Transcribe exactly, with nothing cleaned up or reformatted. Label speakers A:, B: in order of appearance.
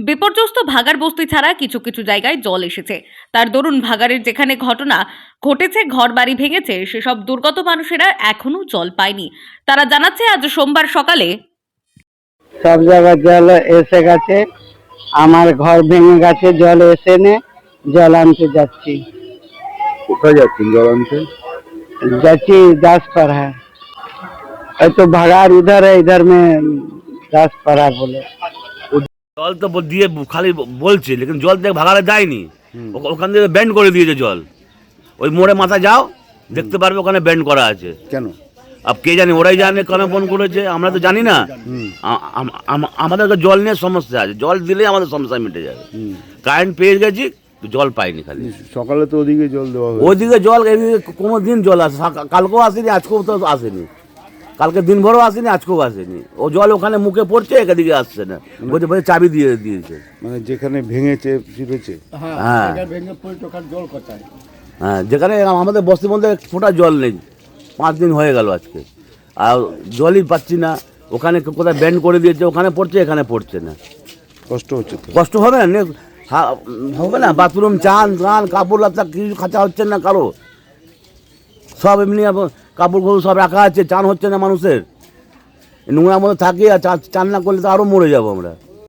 A: বিপর্যস্ত ভাগাড় বস্তি ছাড়া কিছু কিছু জায়গায় জল এসেছে। তার দরুন ভাগাড়ের যেখানে ঘটনা ঘটেছে, ঘরবাড়ি ভেঙেছে, সেসব দুর্গত মানুষেরা এখনো জল পায়নি। তারা জানাচ্ছে আজ সোমবার সকালে
B: সব জায়গায় জল এসে গেছে, আমার ঘর ভেঙে গেছে, জল এসে নে জল আনতে যাচ্ছি।
C: কোথায় যাচ্ছেন জল আনতে?
B: যাচ্ছি দাসপাড়া, এই তো ভাগাড় উধর है, इधर में দাসপাড়া বলে।
D: জল তো ব- দিয়ে খালি ব- বলছে, লেকিন জল দেখ ভাগাড়ে যায়নি। ও- ওখান থেকে ব্যান্ড করে দিয়েছে জল। ওই মোড়ে মাথা যাও, দেখতে পারবে ওখানে ব্যান্ড করা আছে।
C: কেন?
D: আব কে জানে, ওরাই জানে কেন ফোন করেছে, আমরা তো জানি না। আ- আম- আম- আমাদের তো জল নিয়ে সমস্যা আছে, জল দিলেই আমাদের সমস্যা মিটে যাবে। কারেন্ট পেয়ে গেছি, তো জল পাইনি খালি।
C: সকালে তো ওদিকে জল দেওয়া হয়েছে।
D: ওইদিকে জল, এদিকে কোনো দিন জল আসে, সা- কালকেও আসেনি, আজকেও তো আসেনি। কালকে দিনভরও আসেনি, আজকেও আসেনি। ও জল ওখানে মুখে পড়ছে, এদিকে আসছে না। বলছে বলছে চাবি দিয়ে দিয়েছে।
C: মানে যেখানে ভেঙেছে চিপেছে।
D: হ্যাঁ হ্যাঁ, যেখানে আমাদের বস্তির মধ্যে এক ফোঁটা জল নেই, পাঁচ দিন হয়ে গেল আজকে, আর জলই পাচ্ছি না। ওখানে কোথায় ব্যান্ড করে দিয়েছে, ওখানে পড়ছে, এখানে পড়ছে না।
C: কষ্ট হচ্ছে তো।
D: কষ্ট হবে না? নে- হা- হবে না? বাথরুম, চান চান কাপড় লাতা কিছু খাঁচা হচ্ছে না কারো, সব এমনি আবার কাপড় খোপড় সব রাখা আছে, চান হচ্ছে না মানুষের। নোংরার মধ্যে থাকি, আর চা- চান না করলে তো আরও মরে যাবো আমরা।